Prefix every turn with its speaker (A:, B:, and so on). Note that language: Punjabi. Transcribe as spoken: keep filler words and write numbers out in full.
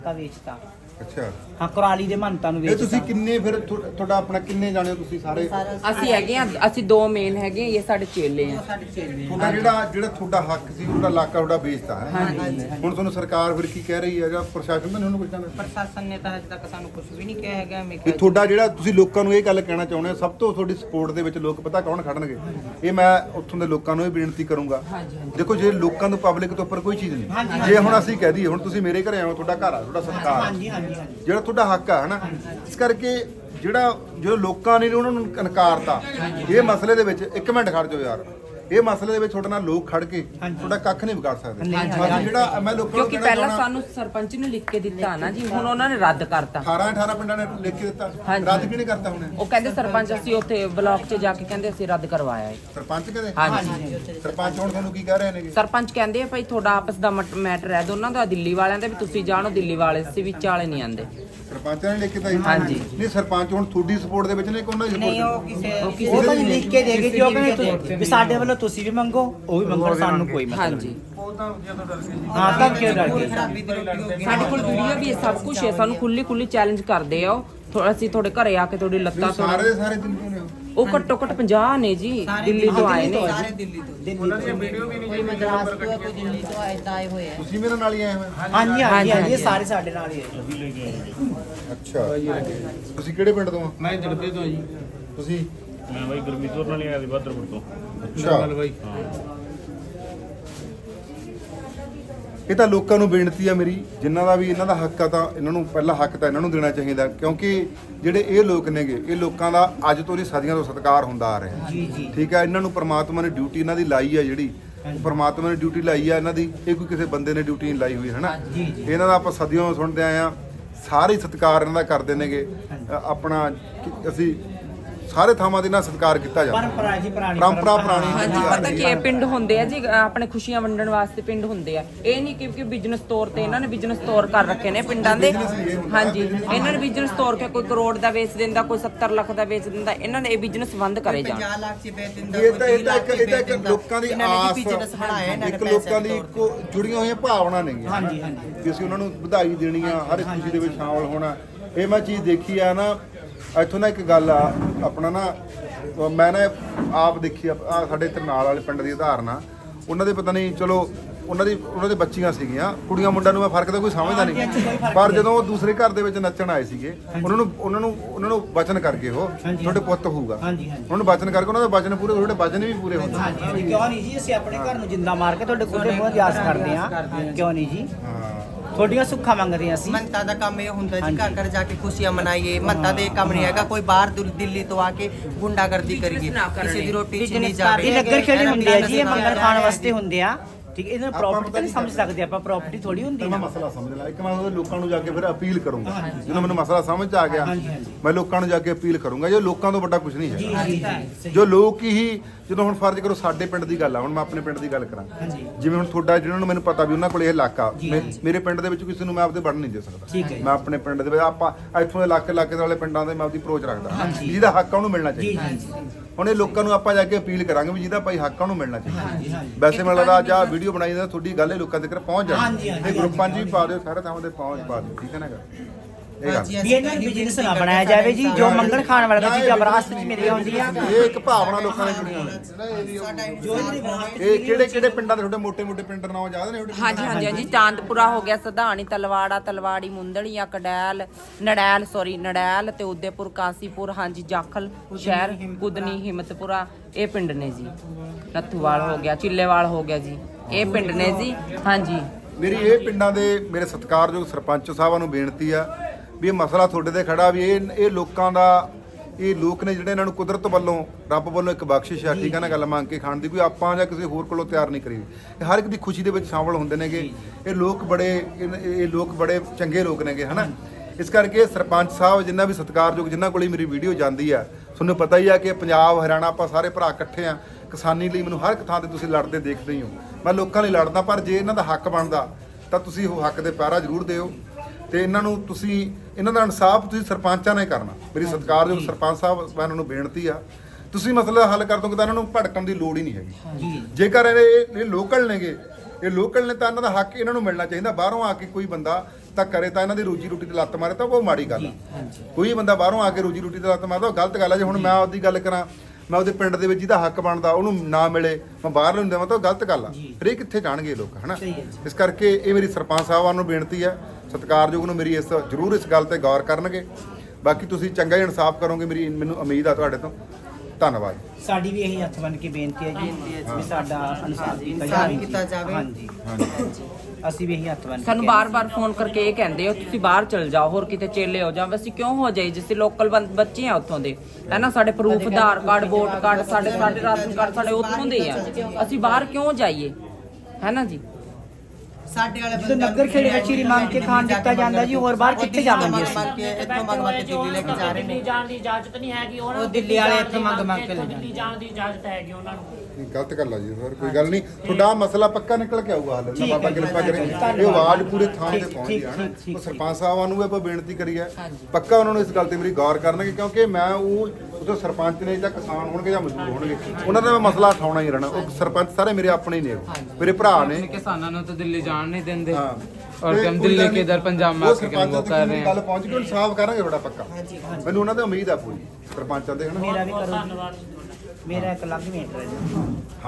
A: का बेचता।
B: ਅੱਛਾ
A: हाँ कुराली दे महंता नु
B: ਇਹ
A: बेचता।
B: ਤੁਸੀਂ ਕਿੰਨੇ ਫਿਰ ਤੁਹਾ- ਤੁਹਾਡਾ ਆਪਣਾ ਕਿੰਨੇ ਜਾਣੇ ਹੋ ਤੁਸੀਂ ਸਾਰੇ
C: ਅਸੀਂ ਹੈਗੇ ਆ ਅਸੀਂ ਦੋ ਮੇਨ ਹੈਗੇ ਆ, ਇਹ ਸਾਡੇ ਚੇਲੇ ਆ।
B: ਤੁਹਾਡਾ ਜਿਹੜਾ ਜਿਹੜਾ ਤੁਹਾਡਾ ਹੱਕ ਸੀ ਉਹਦਾ ਇਲਾਕਾ ਤੁਹਾਡਾ ਵੇਚਦਾ ਹੈ ਹੁਣ ਤੁਹਾਨੂੰ ਸਰਕਾਰ ਫਿਰ ਕੀ ਕਹਿ ਰਹੀ ਹੈਗਾ ਪ੍ਰਸ਼ਾਸਨ ਤਾਂ ਨਹੀਂ ਉਹਨੂੰ ਕੁਝ ਕਹਿੰਦਾ
A: प्रशासन ने तो अज तक सानू कुछ भी नहीं कहा हैगा। मैं
B: ਕਿ ਤੁਹਾਡਾ ਜਿਹੜਾ ਤੁਸੀਂ ਲੋਕਾਂ ਨੂੰ ਇਹ ਗੱਲ ਕਹਿਣਾ ਚਾਹੁੰਦੇ ਹੋ ਸਭ ਤੋਂ ਤੁਹਾਡੀ ਸਪੋਰਟ ਦੇ ਵਿੱਚ ਲੋਕ ਪਤਾ ਕੌਣ ਖੜਨਗੇ ਇਹ ਮੈਂ ਉੱਥੋਂ ਦੇ ਲੋਕਾਂ ਨੂੰ ਇਹ ਬੇਨਤੀ ਕਰੂੰਗਾ ਦੇਖੋ ਜੇ ਲੋਕਾਂ ਨੂੰ ਪਬਲਿਕ ਤੋਂ ਉੱਪਰ ਕੋਈ ਚੀਜ਼ ਨਹੀਂ ਜੇ ਹੁਣ ਅਸੀਂ ਕਹਿ ਦਈਏ ਹੁਣ ਤੁਸੀਂ ਮੇਰੇ ਘਰੇ ਆਓ ਤੁਹਾਡਾ ਘਰ ਆ ਤੁਹਾਡਾ ਸਤਿਕਾਰ ਆ ਜਿਹੜਾ ਤੁਹਾਡਾ ਹੱਕ ਆ ਹਨਾ ਇਸ ਕਰਕੇ ਜਿਹੜਾ ਜੋ ਲੋਕਾਂ ਨੇ ਉਹਨਾਂ ਨੂੰ ਇਨਕਾਰਤਾ ਇਹ ਮਸਲੇ ਦੇ ਵਿੱਚ ਇੱਕ ਮਿੰਟ ਖੜ ਜਾਓ ਯਾਰ ਇਹ ਮਸਲੇ ਦੇ ਵਿੱਚ ਤੁਹਾਡੇ ਨਾਲ ਲੋਕ ਖੜ ਕੇ ਤੁਹਾਡਾ ਕੱਖ ਨਹੀਂ ਵਿਗਾੜ ਸਕਦੇ ਅਸੀਂ ਜਿਹੜਾ ਮੈਂ ਲੋਕਾਂ ਨੂੰ
C: ਕਿਉਂਕਿ ਪਹਿਲਾਂ ਸਾਨੂੰ ਸਰਪੰਚ ਨੇ ਲਿਖ ਕੇ ਦਿੱਤਾ ਨਾ ਜੀ, ਹੁਣ ਉਹਨਾਂ ਨੇ ਰੱਦ ਕਰਤਾ।
B: ਅਠਾਰਾਂ ਅਠਾਰਾਂ ਪਿੰਡਾਂ ਨੇ ਲਿਖ ਕੇ ਦਿੱਤਾ
C: ਹਾਂਜੀ।
B: ਰੱਦ ਕਿਹਨੇ ਕਰਤਾ ਹੁਣ
C: ਉਹ ਕਹਿੰਦੇ ਸਰਪੰਚ ਅਸੀਂ ਉੱਥੇ ਬਲਾਕ 'ਚ ਜਾ ਕੇ ਕਹਿੰਦੇ ਅਸੀਂ ਰੱਦ ਕਰਵਾਇਆ ਹੈ।
B: ਸਰਪੰਚ ਕਹਿੰਦੇ
C: ਹਾਂਜੀ
B: ਸਰਪੰਚ ਹੁਣ ਤੁਹਾਨੂੰ ਕੀ ਕਹਿ ਰਹੇ ਨੇਗੇ
C: ਸਰਪੰਚ ਕਹਿੰਦੇ ਆ ਭਾਈ ਤੁਹਾਡਾ ਆਪਸ ਦਾ ਮੈਟਰ ਹੈ ਦੋਨਾਂ ਦਾ, ਦਿੱਲੀ ਵਾਲਿਆਂ ਦਾ ਵੀ ਤੁਸੀਂ ਜਾਣੋ ਦਿੱਲੀ ਵਾਲੇ ਸੀ ਵਿੱਚ ਵਾਲੇ ਨਹੀਂ ਆਂਦੇ।
B: ਸਰਪੰਚਾਂ ਨੇ ਲਿਖ ਕੇ ਤਾਂ
C: ਹਾਂਜੀ।
B: ਨਹੀਂ ਸਰਪੰਚ ਹੁਣ ਤੁਹਾਡੀ ਸਪੋਰਟ ਦੇ ਵਿੱਚ ਨੇ ਕਿ ਉਹਨਾਂ ਦੀ
A: नहीं
B: ਸਪੋਰਟ
A: वो किसे वो तो लिख के देगी जो कहने भी साडे वालों तुसी भी मंगो वो भी मंगो सानू कोई मतलब
C: ਹਾਂਜੀ
A: हां तब क्यों डर के
C: ਸਾਡੇ ਕੋਲ ਵੀਡੀਓ ਵੀ ਹੈ, ਸਭ ਕੁਝ ਹੈ, ਸਾਨੂੰ ਖੁੱਲੀ ਖੁੱਲੀ ਚੈਲੰਜ ਕਰਦੇ ਆ ਉਹ ਥੋ- ਅਸੀਂ ਤੁਹਾਡੇ ਘਰੇ ਆ ਕੇ ਤੁਹਾਡੀ ਲੱਤਾਂ ਤੋੜ
B: ਸਾਰੇ ਦੇ ਸਾਰੇ ਦਿਨ ਕਿਉਂ ਨੇ ਉਹ?
C: ਉਹ ਘੱਟੋ ਘੱਟ ਪੰਜਾਹ ਨੇ ਜੀ, ਦਿੱਲੀ ਤੋਂ ਆਏ ਨੇ।
B: ਤੁਸੀਂ ਮੇਰੇ ਨਾਲ ਹੀ ਆਏ ਹੋਏ
A: हां जी हां जी
C: ਹਾਂਜੀ,
A: ये सारे साडे नाल ही है।
B: ਅੱਛਾ ਤੁਸੀਂ ਕਿਹੜੇ ਪਿੰਡ ਤੋਂ ਆ
D: ਮੈਂ ਜੜਪੇ ਤੋਂ ਜੀ।
B: ਤੁਸੀਂ
D: ਮੈਂ ਬਾਈ ਗੁਰਮੀਤ ਨਾਲ ਹੀ ਆਇਆ ਸੀ ਬਾਦਰਪੁਰ ਤੋਂ।
B: ਅੱਛਾ
D: ਬਾਈ
B: ਇਹ ਤਾਂ ਲੋਕਾਂ ਨੂੰ ਬੇਨਤੀ ਆ ਮੇਰੀ ਜਿਨ੍ਹਾਂ ਦਾ ਵੀ ਇਹਨਾਂ ਦਾ ਹੱਕ ਆ ਤਾਂ ਇਹਨਾਂ ਨੂੰ ਪਹਿਲਾ ਹੱਕ ਤਾਂ ਇਹਨਾਂ ਨੂੰ ਦੇਣਾ ਚਾਹੀਦਾ ਕਿਉਂਕਿ ਜਿਹੜੇ ਇਹ ਲੋਕ ਨੇਗੇ ਇਹ ਲੋਕਾਂ ਦਾ ਅੱਜ ਤੋਂ ਨਹੀਂ ਸਦੀਆਂ ਤੋਂ ਸਤਿਕਾਰ ਹੁੰਦਾ ਆ ਰਿਹਾ
A: जी जी
B: ਠੀਕ ਆ ਇਹਨਾਂ ਨੂੰ ਪ੍ਰਮਾਤਮਾ ਨੇ ਡਿਊਟੀ ਇਹਨਾਂ ਦੀ ਲਾਈ ਆ ਜਿਹੜੀ ਪ੍ਰਮਾਤਮਾ ਨੇ ਡਿਊਟੀ ਲਾਈ ਆ ਇਹਨਾਂ ਦੀ ਇਹ ਕੋਈ ਕਿਸੇ ਬੰਦੇ ਨੇ ਡਿਊਟੀ ਨਹੀਂ ਲਾਈ ਹੋਈ ਹੈ ਨਾ ਇਹਨਾਂ ਦਾ ਆਪਾਂ ਸਦੀਆਂ ਸੁਣਦੇ ਆਏ ਆ ਸਾਰੇ ਹੀ ਸਤਿਕਾਰ ਇਹਨਾਂ ਦਾ ਕਰਦੇ ਨੇਗੇ ਅ- ਆਪਣਾ ਕਿ- ਅਸੀਂ ਸਾਰੇ ਥਾਵਾਂ ਦੇ ਨਾਲ ਸਤਿਕਾਰ ਕੀਤਾ ਜਾਂਦਾ
A: परंपरा जी पुरानी
B: ਪਰੰਪਰਾ ਪੁਰਾਣੀ
C: ਹਾਂਜੀ
B: ਜਿਹੜੀ ਆ
C: ਪਤਾ ਕੀ ਹੈ, ਪਿੰਡ ਹੁੰਦੇ ਆ ਜੀ ਆਪਣੇ ਖੁਸ਼ੀਆਂ ਵੰਡਣ ਵਾਸਤੇ ਪਿੰਡ ਹੁੰਦੇ ਆ। ਇਹ ਨਹੀਂ ਕਿ ਕਿ ਬਿਜ਼ਨਸ ਤੌਰ ਤੇ ਇਹਨਾਂ ਨੇ ਬਿਜ਼ਨਸ ਤੌਰ ਕਰ ਰੱਖੇ ਨੇ ਪਿੰਡਾਂ ਦੇ। ਹਾਂਜੀ ਇਹਨਾਂ ਨੇ ਬਿਜ਼ਨਸ ਤੌਰ ਕੇ ਕੋਈ ਕਰੋੜ ਦਾ ਵੇਚ ਦਿੰਦਾ ਕੋਈ ਸੱਤਰ ਲੱਖ ਦਾ ਵੇਚ ਦਿੰਦਾ, ਇਹਨਾਂ ਨੇ ਇਹ ਬਿਜ਼ਨਸ ਬੰਦ ਕਰੇ ਜਾਣ।
B: ਇਹ ਤਾਂ ਇਹ ਤਾਂ ਇੱਕ ਇਹ ਤਾਂ ਇੱਕ ਲੋਕਾਂ ਦੀ ਆਸ ਇੱਕ ਲੋਕਾਂ ਦੀ ਇੱਕੋ ਜੁੜੀਆਂ ਹੋਈਆਂ ਭਾਵਨਾ ਨੇਗੀਆਂ
A: ਹਾਂਜੀ ਹਾਂਜੀ
B: ਕਿ ਅਸੀਂ ਉਹਨਾਂ ਨੂੰ ਵਧਾਈ ਦੇਣੀ ਆ ਹਰ ਇੱਕ ਖੁਸ਼ੀ ਦੇ ਵਿੱਚ ਸ਼ਾਮਲ ਹੋਣਾ। ਇਹ ਮੈਂ ਚੀਜ਼ ਦੇਖੀ ਆ ਨਾ ਇੱਥੋਂ ਨਾ ਇੱਕ ਗੱਲ ਆ ਆਪਣਾ ਨਾ ਮੈਂ ਨਾ ਆਪ ਦੇਖੀ ਆ ਆਹ ਸਾਡੇ ਤਰਨਾਲ ਵਾਲੇ ਪਿੰਡ ਦੀ ਉਦਾਹਰਨ ਆ ਉਹਨਾਂ ਦੇ ਪਤਾ ਨਹੀਂ ਚਲੋ ਉਹਨਾਂ ਦੀ ਉਹਨਾਂ ਦੇ ਬੱਚੀਆਂ ਸੀਗੀਆਂ ਕੁੜੀਆਂ ਮੁੰਡਿਆਂ ਨੂੰ ਮੈਂ ਫਰਕ ਤਾਂ ਕੋਈ ਸਮਝਦਾ ਨਹੀਂ ਪਰ ਜਦੋਂ ਉਹ ਦੂਸਰੇ ਘਰ ਦੇ ਵਿੱਚ ਨੱਚਣ ਆਏ ਸੀਗੇ ਉਹਨਾਂ ਨੂੰ ਉਹਨਾਂ ਨੂੰ ਉਹਨਾਂ ਨੂੰ ਵਚਨ ਕਰਕੇ ਉਹ ਤੁਹਾਡੇ ਪੁੱਤ ਹੋਊਗਾ
A: ਹਾਂਜੀ ਹਾਂਜੀ
B: ਉਹਨਾਂ ਨੂੰ ਵਚਨ ਕਰਕੇ ਉਹਨਾਂ ਦੇ ਵਚਨ ਪੂਰੇ ਤੁਹਾਡੇ ਵਚਨ ਵੀ ਪੂਰੇ ਹੁੰਦੇ
A: ਹਾਂਜੀ ਹਾਂਜੀ ਕਿਉਂ ਨਹੀਂ ਜੀ ਅਸੀਂ ਆਪਣੇ ਘਰ ਨੂੰ ਜਿੰਦਾ ਮਾਰ ਕੇ ਤੁਹਾਡੇ ਕੋਲੇ ਮੂੰਹ ਦੀ ਆਸ ਕਰਦੇ ਆ ਕਿਉਂ ਨਹੀਂ ਜੀ
B: ਹਾਂ
A: ਤੁਹਾਡੀਆਂ ਸੁੱਖਾਂ ਮੰਗਦੇ ਆ ਅਸੀਂ
E: ਮੰਨਤਾ ਦਾ ਕੰਮ ਇਹ ਹੁੰਦਾ ਜੀ ਘਰ ਘਰ ਜਾ ਕੇ ਖੁਸ਼ੀਆਂ ਮਨਾਈਏ। ਮੰਨਤਾ ਦੇ ਕੰਮ ਨਹੀਂ ਹੈਗਾ ਕੋਈ ਬਾਹਰ ਦੁ- ਦਿੱਲੀ ਤੋਂ ਆ ਕੇ ਗੁੰਡਾਗਰਦੀ ਕਰੀਏ ਕਿਸੇ ਦੀ ਰੋਟੀ ਛੀਨੀ ਜਾਵੇ।
A: ਇਹ ਨਗਰ ਖੇੜੇ ਹੁੰਦੇ ਆ ਜੀ ਇਹ ਮੰਗਲ ਖਾਣ ਵਾਸਤੇ ਹੁੰਦੇ ਆ ਠੀਕ ਹੈ ਇਹਨਾਂ ਪ੍ਰਾਪਰਟੀ ਤਾਂ ਨਹੀਂ ਸਮਝ ਸਕਦੇ ਆਪਾਂ ਪ੍ਰਾਪਰਟੀ ਥੋੜੀ ਹੁੰਦੀ
B: ਮੈਂ
A: ਨਾ
B: ਮਸਲਾ ਸਮਝ ਲਿਆ ਇੱਕ ਮੈਂ ਉਹਦੇ ਲੋਕਾਂ ਨੂੰ ਜਾ ਕੇ ਫਿਰ ਅਪੀਲ ਕਰੂੰਗਾ ਜਦੋਂ ਮੈਨੂੰ ਮਸਲਾ ਸਮਝ ਆ ਗਿਆ
A: ਹਾਂਜੀ, ਹਾਂਜੀ।
B: ਮੈਂ ਲੋਕਾਂ ਨੂੰ ਜਾ ਕੇ ਅਪੀਲ ਕਰੂੰਗਾ ਜੇ ਲੋਕਾਂ ਤੋਂ ਵੱਡਾ ਕੁਝ ਨਹੀਂ
A: ਜੀ
B: ਹੈ
A: ਜੀ
B: ਜੋ ਲੋਕ ਹੀ ਜਦੋਂ ਹੁਣ ਫਰਜ਼ ਕਰੋ ਸਾਡੇ ਪਿੰਡ ਦੀ ਗੱਲ ਆ ਹੁਣ ਮੈਂ ਆਪਣੇ ਪਿੰਡ ਦੀ ਗੱਲ ਕਰਾਂ
A: ਹਾਂਜੀ
B: ਜਿਵੇਂ ਹੁਣ ਤੁਹਾਡਾ ਜਿਹਨਾਂ ਨੂੰ ਮੈਨੂੰ ਪਤਾ ਵੀ ਉਹਨਾਂ ਕੋਲ ਇਹ ਇਲਾਕਾ
A: ਜੀ,
B: ਮੇ-
A: ਜੀ।
B: ਮੇਰੇ ਪਿੰਡ ਦੇ ਵਿੱਚ ਕਿਸੇ ਨੂੰ ਮੈਂ ਆਪਦੇ ਵੜਨ ਨਹੀਂ ਦੇ ਸਕਦਾ
A: ਠੀਕ ਹੈ ਜੀ।
B: ਮੈਂ ਆਪਣੇ ਪਿੰਡ ਦੇ ਵਿੱਚ ਆਪਾਂ ਇੱਥੋਂ ਦੇ ਇਲਾਕੇ ਇਲਾਕੇ ਦੇ ਵਾਲੇ ਪਿੰਡਾਂ ਦੇ ਮੈਂ ਆਪਦੀ ਅਪਰੋਚ ਰੱਖਦਾ
A: ਹਾਂਜੀ।
B: ਜਿਹਦਾ ਹੱਕ ਆ ਉਹਨੂੰ ਮਿਲਣਾ
A: ਜੀ
B: ਚਾਹੀਦਾ
A: ਜੀ
B: ਹੁਣ ਇਹ ਲੋਕਾਂ ਨੂੰ ਆਪਾਂ ਜਾ ਕੇ ਅਪੀਲ ਕਰਾਂਗੇ ਵੀ ਜਿਹਦਾ ਭਾਈ ਹੱਕ ਆ ਉਹਨੂੰ ਮਿਲਣਾ ਚਾਹੀਦਾ
A: ਹਾਂਜੀ ਹਾਂਜੀ
B: ਵੈਸੇ ਮੈਨੂੰ ਲੱਗਦਾ ਜਾਂ ਵੀਡੀਓ ਬਣਾਈ ਜਾਂਦਾ ਤੁਹਾਡੀ ਗੱਲ ਇਹ ਲੋਕਾਂ ਤੱਕ ਪਹੁੰਚ
A: ਹਾਂਜੀ,
B: ਜਾਣੀ
A: ਹਾਂਜੀ,
B: ਤੇ ਗਰੁੱਪਾਂ 'ਚ ਵੀ ਪਾ ਦਿਓ ਸਾਰੇ ਥਾਵਾਂ ਤੇ ਪਹੁੰਚ ਪਾ ਦਿਓ ਠੀਕ ਹੈ ਨਾ ਗੱਲ ਇਹ ਗੱਲ
A: ਵੀ ਇਹਨਾਂ ਨੂੰ ਬਿਜ਼ਨਸ ਨਾ ਬਣਾਇਆ ਜਾਵੇ ਜੀ ਜੋ ਮੰਗਣ ਖਾਣ ਵਾਲਾ ਚੀਜ਼ਾਂ ਵਿਰਾਸਤ ਵਿੱਚ ਮਿਲੀਆਂ ਹੁੰਦੀਆਂ
B: ਇਹ ਇੱਕ ਭਾਵਨਾ ਲੋਕਾਂ ਨੇ ਜੁੜੀਆਂ ਹੋਈਆਂ
A: ਜੋ ਇਹਨਾਂ ਦੀ ਵਿਰਾਸਤ
B: ਇਹ ਕਿਹੜੇ ਕਿਹੜੇ ਪਿੰਡਾਂ ਦੇ ਤੁਹਾਡੇ ਮੋٹے ਮੋٹے ਪਿੰਡ ਨਾਮ ਯਾਦ ਨੇ ਤੁਹਾਡੇ
C: ਹਾਂਜੀ ਹਾਂਜੀ ਹਾਂਜੀ ਚਾਂਦਪੁਰਾ ਹੋ ਗਿਆ, ਸਧਾਣੀ, ਤਲਵਾੜਾ, ਤਲਵਾੜੀ, ਮੁੰਦੜੀਆਂ, ਕਡੈਲ, ਨੜੈਲ ਸੌਰੀ ਨੜੈਲ ਤੇ ਉਦੇਪੁਰ, ਕਾਸੀਪੁਰ, ਹਾਂਜੀ ਜਾਖਲ ਸ਼ਹਿਰ, ਕੁਦਨੀ, ਹਿੰਮਤਪੁਰਾ ਇਹ ਪਿੰਡ ਨੇ ਜੀ। ਨੱਥੂਵਾਲ ਹੋ ਗਿਆ, ਚਿੱਲੇਵਾਲ ਹੋ ਗਿਆ ਜੀ, ਇਹ ਪਿੰਡ ਨੇ ਜੀ। ਹਾਂਜੀ
B: ਮੇਰੀ ਇਹ ਪਿੰਡਾਂ ਦੇ ਮੇਰੇ ਸਤਿਕਾਰਯੋਗ ਸਰਪੰਚ ਸਾਹਿਬਾਂ ਨੂੰ ਬੇਨਤੀ ਆ ਵੀ ਇਹ ਮਸਲਾ ਤੁਹਾਡੇ ਤੇ ਖੜਾ ਵੀ ਇਹ ਇਹ ਲੋਕਾਂ ਦਾ ਇਹ ਲੋਕ ਨੇ ਜਿਹੜੇ ਇਹਨਾਂ ਨੂੰ ਕੁਦਰਤ ਵੱਲੋਂ ਰੱਬ ਵੱਲੋਂ ਇੱਕ ਬਖਸ਼ਿਸ਼ ਆ ਠੀਕ ਹੈ ਨਾ ਗੱਲ ਮੰਗ ਕੇ ਖਾਣ ਦੀ ਕੋਈ ਆਪਾਂ ਜਾਂ ਕਿਸੇ ਹੋਰ ਕੋਲੋਂ ਤਿਆਰ ਨਹੀਂ ਕਰੀ ਇਹ ਹਰ ਇੱਕ ਦੀ ਖੁਸ਼ੀ ਦੇ ਵਿੱਚ ਸ਼ਾਮਲ ਹੁੰਦੇ ਨੇਗੇ ਇਹ ਲੋਕ ਬੜੇ ਇਹ ਇਹ ਲੋਕ ਬੜੇ ਚੰਗੇ ਲੋਕ ਨੇਗੇ ਹਨਾ ਇਸ ਕਰਕੇ ਸਰਪੰਚ ਸਾਹਿਬ ਜਿੰਨਾ ਵੀ ਸਤਿਕਾਰਯੋਗ ਜਿਨ੍ਹਾਂ ਕੋਲ ਮੇਰੀ ਵੀਡੀਓ ਜਾਂਦੀ ਆ ਤੁਹਾਨੂੰ ਪਤਾ ਹੀ ਆ ਕਿ ਪੰਜਾਬ ਹਰਿਆਣਾ ਆਪਾਂ ਸਾਰੇ ਭਰਾ ਇਕੱਠੇ ਆ ਕਿਸਾਨੀ ਲਈ ਮੈਨੂੰ ਹਰ ਇੱਕ ਥਾਂ ਤੇ ਤੁਸੀਂ ਲੜਦੇ ਦੇਖਦੇ ਹੀ ਹੋ ਮੈਂ ਲੋਕਾਂ ਲਈ ਲੜਦਾ ਪਰ ਜੇ ਇਹਨਾਂ ਦਾ ਹੱਕ ਬਣਦਾ ਤਾਂ ਤੁਸੀਂ ਉਹ ਹੱਕ ਦੇ ਪਹਿਰਾ ਜ਼ਰੂਰ ਦਿਓ ਤੇ ਇਹਨਾਂ ਨੂੰ ਤੁਸੀਂ ਇਹਨਾਂ ਦਾ ਇਨਸਾਫ ਤੁਸੀਂ ਸਰਪੰਚਾਂ ਨੇ ਕਰਨਾ ਮੇਰੀ ਸਤਿਕਾਰਯੋਗ ਸਰਪੰਚ ਸਾਹਿਬ ਇਹਨਾਂ ਨੂੰ ਬੇਨਤੀ ਆ ਤੁਸੀਂ ਮਸਲਾ ਹੱਲ ਕਰ ਦੋਗੇ ਤਾਂ ਇਹਨਾਂ ਨੂੰ ਭੜਕਣ ਦੀ ਲੋੜ ਹੀ ਨਹੀਂ ਹੈਗੀ ਜੇਕਰ ਇਹ ਇਹ ਲੋਕਲ ਨੇਗੇ ਇਹ ਲੋਕਲ ਨੇ ਤਾਂ ਇਹਨਾਂ ਦਾ ਹੱਕ ਇਹਨਾਂ ਨੂੰ ਮਿਲਣਾ ਚਾਹੀਦਾ ਬਾਹਰੋਂ ਆ ਕੇ ਕੋਈ ਬੰਦਾ ਤਾਂ ਕਰੇ ਤਾਂ ਇਹਨਾਂ ਦੀ ਰੋਜੀ ਰੋਟੀ ਤੇ ਲੱਤ ਮਾਰੇ ਤਾਂ ਉਹ ਮਾੜੀ ਗੱਲ ਆ। ਕੋਈ ਬੰਦਾ ਬਾਹਰੋਂ ਆ ਕੇ ਰੋਜੀ ਰੋਟੀ ਤੇ ਲੱਤ ਮਾਰਦਾ ਉਹ ਗਲਤ ਗੱਲ ਹੈ। ਜੇ ਹੁਣ ਮੈਂ ਆਪਦੀ ਗੱਲ ਕਰਾਂ, ਮੈਂ ਉਹਦੇ ਪਿੰਡ ਦੇ ਵਿੱਚ ਜਿਹਦਾ ਹੱਕ ਬਣਦਾ ਉਹਨੂੰ ਨਾ ਮਿਲੇ, ਮੈਂ ਬਾਹਰ ਨੂੰ ਦੇਵਾਂ ਤਾਂ ਉਹ ਗਲਤ ਗੱਲ ਆ। ਫਿਰ ਇਹ ਕਿੱਥੇ ਜਾਣਗੇ ਲੋਕ, ਹਨਾ। ਇਸ ਕਰਕੇ ਇਹ ਮੇਰੀ ਸਰਪੰਚ ਸਾਹਿਬਾਨ ਨੂੰ ਬੇਨਤੀ ਹੈ, ਸਤਿਕਾਰਯੋਗ ਨੂੰ ਮੇਰੀ ਇਸ ਜ਼ਰੂਰ ਇਸ ਗੱਲ ਤੇ ਗੌਰ ਕਰਨਗੇ। ਬਾਕੀ ਤੁਸੀਂ ਚੰਗਾ ਹੀ ਇਨਸਾਫ ਕਰੋਗੇ, ਮੇਰੀ ਮੈਨੂੰ ਉਮੀਦ ਆ ਤੁਹਾਡੇ ਤੋਂ। ਧੰਨਵਾਦ।
A: ਸਾਡੀ ਵੀ ਇਹੀ ਹੱਥ ਬੰਨ ਕੇ ਬੇਨਤੀ ਹੈ ਜੀ ਵੀ ਸਾਡਾ ਇਨਸਾਫ ਕੀਤਾ
E: ਇਨਸਾਫ
A: ਜਾਵੇ
E: ਕੀਤਾ ਜਾਵੇ।
A: ਹਾਂਜੀ ਅਸੀਂ ਵੀ ਇਹੀ ਹੱਥ ਬੰਨ ਕੇ
C: ਸਾਨੂੰ ਬਾਰ-ਬਾਰ ਫੋਨ ਕਰਕੇ ਇਹ ਕਹਿੰਦੇ ਹੋ ਤੁਸੀਂ ਬਾਹਰ ਚਲ ਜਾਓ, ਹੋਰ ਕਿਤੇ ਚੇਲੇ ਹੋ ਜਾਓ। ਅਸੀਂ ਕਿਉਂ ਹੋ ਜਾਈਏ ਜਿਵੇਂ ਲੋਕਲ ਬੱਚੇ ਆ ਉੱਥੋਂ ਦੇ, ਹੈ ਨਾ। ਸਾਡੇ proof Aadhaar card, vote card, ਸਾਡੇ ਸਾਡੇ ਰਾਸ਼ਨ ਕਾਰਡ ਸਾਡੇ ਉੱਥੋਂ ਦੇ ਆ। ਅਸੀਂ ਬਾਹਰ ਕਿਉਂ ਜਾਈਏ, ਹੈ ਨਾ ਜੀ।
E: ਸਾਡੇ ਵਾਲੇ
A: ਜਦੋਂ ਨਗਰ ਖੇੜੇ ਵਿੱਚ ਹੀ ਮੰਗ ਕੇ ਖਾਣ ਦਿੱਤਾ ਜਾਂਦਾ ਜੀ, ਹੋਰ ਬਾਹਰ ਕਿੱਥੇ ਜਾਵਾਂਗੇ ਅਸੀਂ।
E: ਮੰਗ ਕੇ ਇੱਥੋਂ ਮੰਗ ਮੰਗ ਕੇ ਦਿੱਲੀ ਲੈ ਕੇ ਜਾ ਰਹੇ ਨੇ।
F: ਦਿੱਲੀ ਜਾਣ ਦੀ ਇਜਾਜ਼ਤ ਨਹੀਂ ਹੈਗੀ ਉਹਨਾਂ
E: ਉਹ ਦਿੱਲੀ ਵਾਲੇ ਇੱਥੇ ਮੰਗ ਮੰਗ ਕੇ ਲੈ
F: ਦਿੱਲੀ ਜਾਣ ਦੀ ਇਜਾਜ਼ਤ ਹੈਗੀ ਉਹਨਾਂ ਨੂੰ।
B: ਗਲਤ ਗੱਲ ਆ ਜੀ ਸਰ, ਕੋਈ ਗੱਲ ਨਹੀਂ। ਤੁਹਾਡਾ ਮਸਲਾ ਪੱਕਾ ਨਿਕਲ ਕੇ ਆਊਗਾ ਹੱਲ। ਬਾਬਾ ਕਿਰਪਾ ਕਰੇ ਇਹ ਆਵਾਜ਼ ਪੂਰੇ ਥਾਂ ਤੇ ਪਹੁੰਚੀ ਹੈ ਨਾ। ਉਹ ਸਰਪੰਚ ਸਾਹਿਬਾਂ ਨੂੰ ਵੀ ਆਪਾਂ ਬੇਨਤੀ ਕਰੀ ਹੈ, ਪੱਕਾ ਉਹਨਾਂ ਨੂੰ ਇਸ ਗੱਲ ਤੇ ਮੇਰੀ ਗੌਰ ਕਰਨਗੇ, ਕਿਉਂਕਿ ਮੈਂ ਉਹ ਉਦੋਂ ਸਰਪੰਚ ਨੇ ਜਾਂ ਕਿਸਾਨ ਹੋਣਗੇ ਜਾਂ ਮਜ਼ਦੂਰ ਹੋਣਗੇ, ਉਹਨਾਂ ਦਾ ਮੈਂ ਮਸਲਾ ਉਠਾਉਣਾ ਹੀ ਰਹਿਣਾ। ਉਹ ਸਰਪੰਚ ਸਾਰੇ ਮੇਰੇ ਆਪਣੇ ਹੀ ਨੇ, ਮੇਰੇ ਭਰਾ ਨੇ।
G: किसानों ने तो दिल्ली जान नहीं देंगे
B: ਹਾਂ
G: और
B: ਤੇ
G: हम
B: ਕੋਈ
G: दिल्ली
B: ਗੱਲ
G: के
B: ਨਹੀਂ,
G: इधर पंजाब में
B: ਉਹ
G: आके
B: ਸਰਪੰਚ
G: वो
B: ਤੱਕ
G: कर रहे
B: ਮੇਰੀ
G: हैं।
B: ਗੱਲ ਪਹੁੰਚ ਗਈ, ਇਨਸਾਫ ਕਰਾਂਗੇ ਤੁਹਾਡਾ ਪੱਕਾ। ਮੈਨੂੰ ਉਹਨਾਂ ਤੇ ਉਮੀਦ ਆ ਪੂਰੀ ਸਰਪੰਚਾਂ ਦੇ, ਹਨਾ।
A: ਮੇਰਾ ਵੀ ਕਰੋ ਜੀ।
F: ਧੰਨਵਾਦ।
A: ਮੇਰਾ ਇੱਕ ਲੱਖ ਮੀਟਰ ਹੈ ਜੀ।